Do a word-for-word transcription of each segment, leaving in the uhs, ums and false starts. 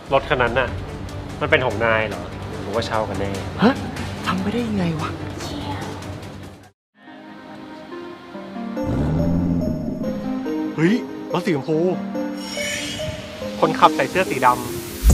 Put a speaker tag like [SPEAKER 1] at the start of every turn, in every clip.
[SPEAKER 1] รถคันนั้นน่ะมันเป็นของนายเหรอหรือว่าเช่ากันแน่
[SPEAKER 2] ฮะทำไปได้ยังไงวะเฮ้ยรถสีชมพูคนขับใส่เสื้อสีดำ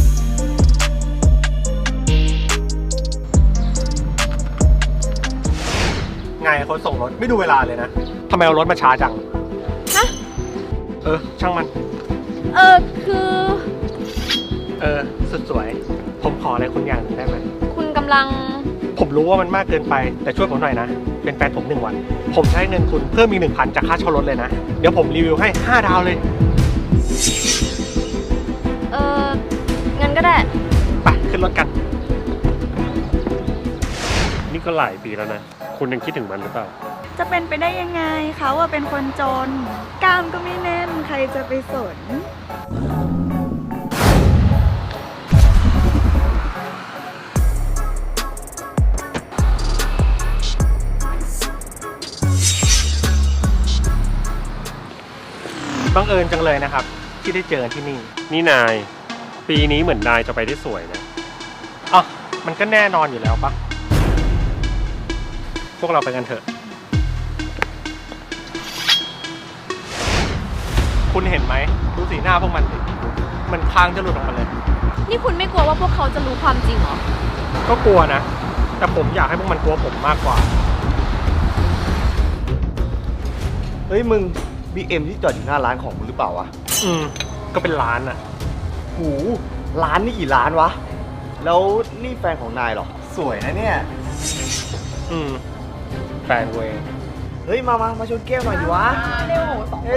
[SPEAKER 2] ไงคนส่งรถไม่ดูเวลาเลยนะทำไมเอารถมาช้าจัง
[SPEAKER 3] ฮะ
[SPEAKER 2] เออช่างมัน
[SPEAKER 3] เออคือ
[SPEAKER 2] เออสุดสวยผมขออะไรคุณอย่างหนึ่งได้ไหม
[SPEAKER 3] คุณกำลัง
[SPEAKER 2] ผมรู้ว่ามันมากเกินไปแต่ช่วยผมหน่อยนะเป็นแฟนผมหนึ่งวันผมใช้เงินคุณเพิ่มอีกหนึ่งพันจากค่าเช่ารถเลยนะเดี๋ยวผมรีวิวให้ห้าดาวเลย
[SPEAKER 3] เอองั้นก็ได้
[SPEAKER 2] ไปขึ้นรถกัน
[SPEAKER 1] นี่ก็หลายปีแล้วนะคุณยังคิดถึงมันหรือเปล่า
[SPEAKER 4] จะเป็นไปได้ยังไงเขาว่าเป็นคนจนกล้ามก็ไม่แน่นใครจะไปสน
[SPEAKER 2] บังเอิญจังเลยนะครับที่ได้เจอที่นี่
[SPEAKER 1] นี่นายปีนี้เหมือนนายจะไปได้สวยนะ
[SPEAKER 2] อ๋อมันก็แน่นอนอยู่แล้วปะพวกเราไปกันเถอะคุณเห็นไหมดูสีหน้าพวกมันสิมันค้างจะหลุดออกมาเลย
[SPEAKER 3] นี่คุณไม่กลัวว่าพวกเขาจะรู้ความจริงเหรอ
[SPEAKER 2] ก็กลัวนะแต่ผมอยากให้พวกมันกลัวผมมากกว่า
[SPEAKER 5] เฮ้ยมึง บี เอ็ม ที่จอดอยู่หน้าร้านของมึงหรือเปล่าวะ
[SPEAKER 2] อืมก็เป็นร้านอ่ะ
[SPEAKER 5] หูร้านนี่กี่ร้านวะแล้วนี่แฟนของนายเหรอสวยนะเนี่ย
[SPEAKER 2] อืมแฟนเวง
[SPEAKER 5] เฮ้ยมามามาชนแก้วหน่อยดิวะ
[SPEAKER 4] เร็วสองคน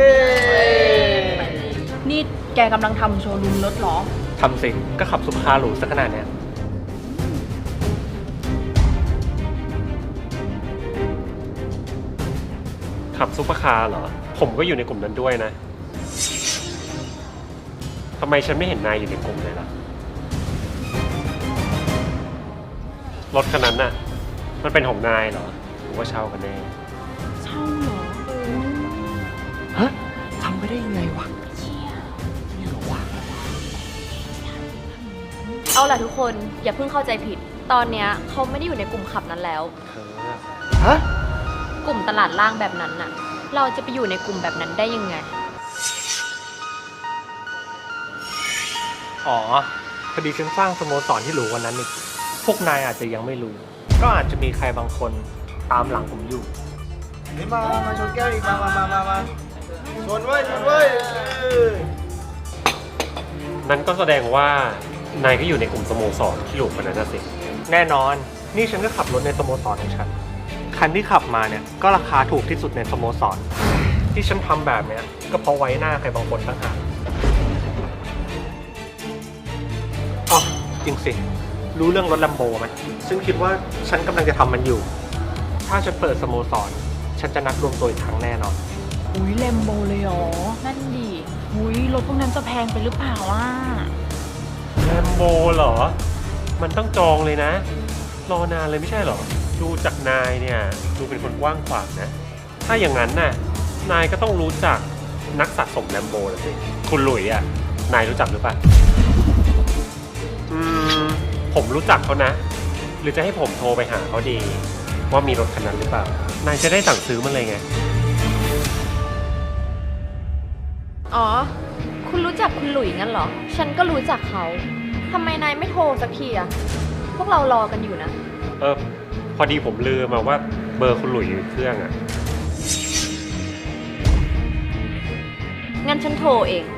[SPEAKER 4] นี่แกกำลังทำโชว์รูมรถหรอ
[SPEAKER 2] ทำสิก็ขับซุปเปอร์คาร์หรูสักขนาดเนี้ย
[SPEAKER 1] ขับซุปเปอร์คาร์เหรอผมก็อยู่ในกลุ่มนั้นด้วยนะทำไมฉันไม่เห็นนายอยู่ในกลุ่มเลยล่ะรถคันนั้นน่ะมันเป็นของนายเหรอหรือว่าเช่ากันแน่
[SPEAKER 4] เช่าเหรอ
[SPEAKER 2] ฮะทำไปได้ยังไงวะนี่หรอวะ
[SPEAKER 3] เอาล่ะทุกคนอย่าเพิ่งเข้าใจผิดตอนเนี้ยเขาไม่ได้อยู่ในกลุ่มขับนั้นแล้ว
[SPEAKER 2] ฮะ
[SPEAKER 3] กลุ่มตลาดล่างแบบนั้นน่ะเราจะไปอยู่ในกลุ่มแบบนั้นได้ยังไง
[SPEAKER 2] อ๋อพอดีฉันสร้างสโมสรที่หรูกว่านั้นอีกพวกนายอาจจะยังไม่รู้ก็อาจจะมีใครบางคนตามหลังผมอยู่
[SPEAKER 5] นี่มามาชนแก้วอีกมามามามามาชนเว้ยชนเว้ย
[SPEAKER 1] นั้นก็แสดงว่านายก็อยู่ในกลุ่มสโมสรที่หรูกว่านั้นนะสิ
[SPEAKER 2] แน่นอนนี่ฉันก็ขับรถในสโมสรของฉันคันที่ขับมาเนี่ยก็ราคาถูกที่สุดในสโมสรที่ฉันทำแบบเนี้ยก็เพราะไว้หน้าใครบางคนต่างหากอ๋อจริงสิรู้เรื่องรถลัมโบไหมฉันคิดว่าฉันกำลังจะทำมันอยู่ถ้าฉันเปิดสโมสรฉันจะนัดรวมตัวอีกครั้งแน่นอน
[SPEAKER 4] อุ้ยแลมโบเลยเหรอนั่นดิอุ้ยรถพวกนั้นจะแพงไปหรือเปล่าอ่ะ
[SPEAKER 1] แลมโบเหรอมันต้องจองเลยนะรอนานเลยไม่ใช่เหรอดูจากนายเนี่ยดูเป็นคนกว้างขวางนะถ้าอย่างนั้นน่ะนายก็ต้องรู้จักนักสะสมแลมโบละสิคุณหลุยอ่ะนายรู้จักหรือเปล่าอืมผมรู้จักเขานะหรือจะให้ผมโทรไปหาเขาดีว่ามีรถคันนั้นหรือเปล่านายจะได้สั่งซื้อมันเลยไง
[SPEAKER 3] อ๋อคุณรู้จักคุณหลุยงั้นเหรอฉันก็รู้จักเขาทำไมนายไม่โทรสักทีอะพวกเรารอกันอยู่นะ
[SPEAKER 1] เออพอดีผมลืมมาว่าเบอร์คุณหลุยอยู่เครื่องอะ
[SPEAKER 3] งั้นฉันโทรเอง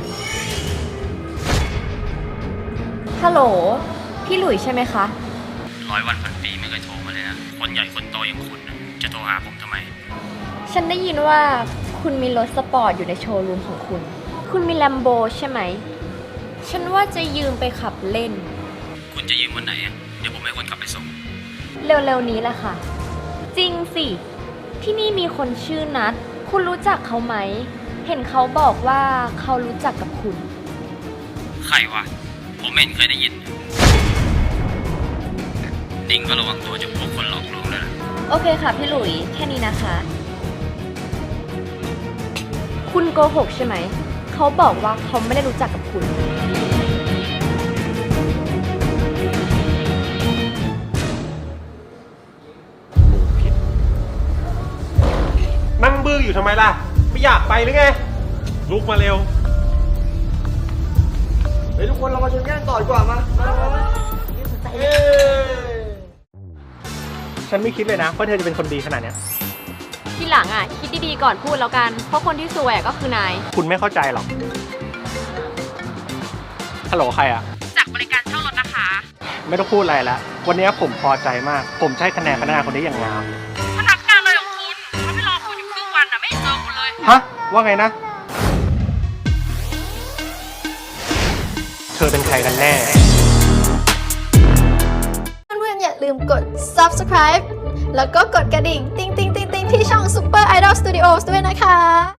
[SPEAKER 3] ฮัลโหลพี่หลุยใช่ไหมคะ
[SPEAKER 6] ร้อยวันพันปีไม่เคยโทรมาเลยนะคนใหญ่คนโตอย่างคุณจะโทรหาผมทำไม
[SPEAKER 3] ฉันได้ยินว่าคุณมีรถสปอร์ตอยู่ในโชว์รูมของคุณคุณมีแลมโบใช่ไหมฉันว่าจะยืมไปขับเล่น
[SPEAKER 6] คุณจะยืมวันไหนเดี๋ยวผมให้คนขับไปส่ง
[SPEAKER 3] เร็วๆนี้แหละค่ะจริงสิที่นี่มีคนชื่อนัทคุณรู้จักเขาไหมเห็นเขาบอกว่าเขารู้จักกับคุณ
[SPEAKER 6] ใครวะผมไม่เห็นเคยได้ยินนิ่งก็ระวังตัวจากพวกคนหลอกลวงเลยนะ
[SPEAKER 3] โอเคค่ะพี่หลุยแค่นี้นะคะคุณโกหกใช่ไหมเขาบอกว่าเขาไม่ได้รู้จักกับคุณ
[SPEAKER 1] อยู่ทำไมล่ะ ไม่อยากไปหรือไง ลุกมาเร็ว
[SPEAKER 5] เฮ้ยทุกคนเรามาชนแก้งต่อดีกว่ามามามามาเฮ้ย
[SPEAKER 2] ฉันไม่คิดเลยนะว่าเธอจะเป็นคนดีขนาดเนี้ย
[SPEAKER 3] ทีหลังอ่ะ คิดดีๆก่อนพูดแล้วกัน เพราะคนที่ซวยอะก็คือนาย
[SPEAKER 2] คุณไม่เข้าใจหรอก ฮัลโหลใครอะ
[SPEAKER 3] จากบริการเช่ารถนะคะ
[SPEAKER 2] ไม่ต้องพูดอะไรแล้ว วันนี้ผมพอใจมาก ผมจะให้คะแนนพนักงานคนนี้อย่างงาม
[SPEAKER 3] พนักงานอะไรของคุณเขาไม่รอคุณอยู่ครึ่งวันอ่ะ ไม่เจอคุณเลย
[SPEAKER 2] ฮะ ว่าไงนะ เธอเป็นใครกันแน่
[SPEAKER 7] เพื่อนๆอย่าลืมกด subscribe แล้วก็กดกระดิ่ง ติ๊งติ๊งติ๊งติ๊งที่ช่อง Super Idol Studios ด้วยนะคะ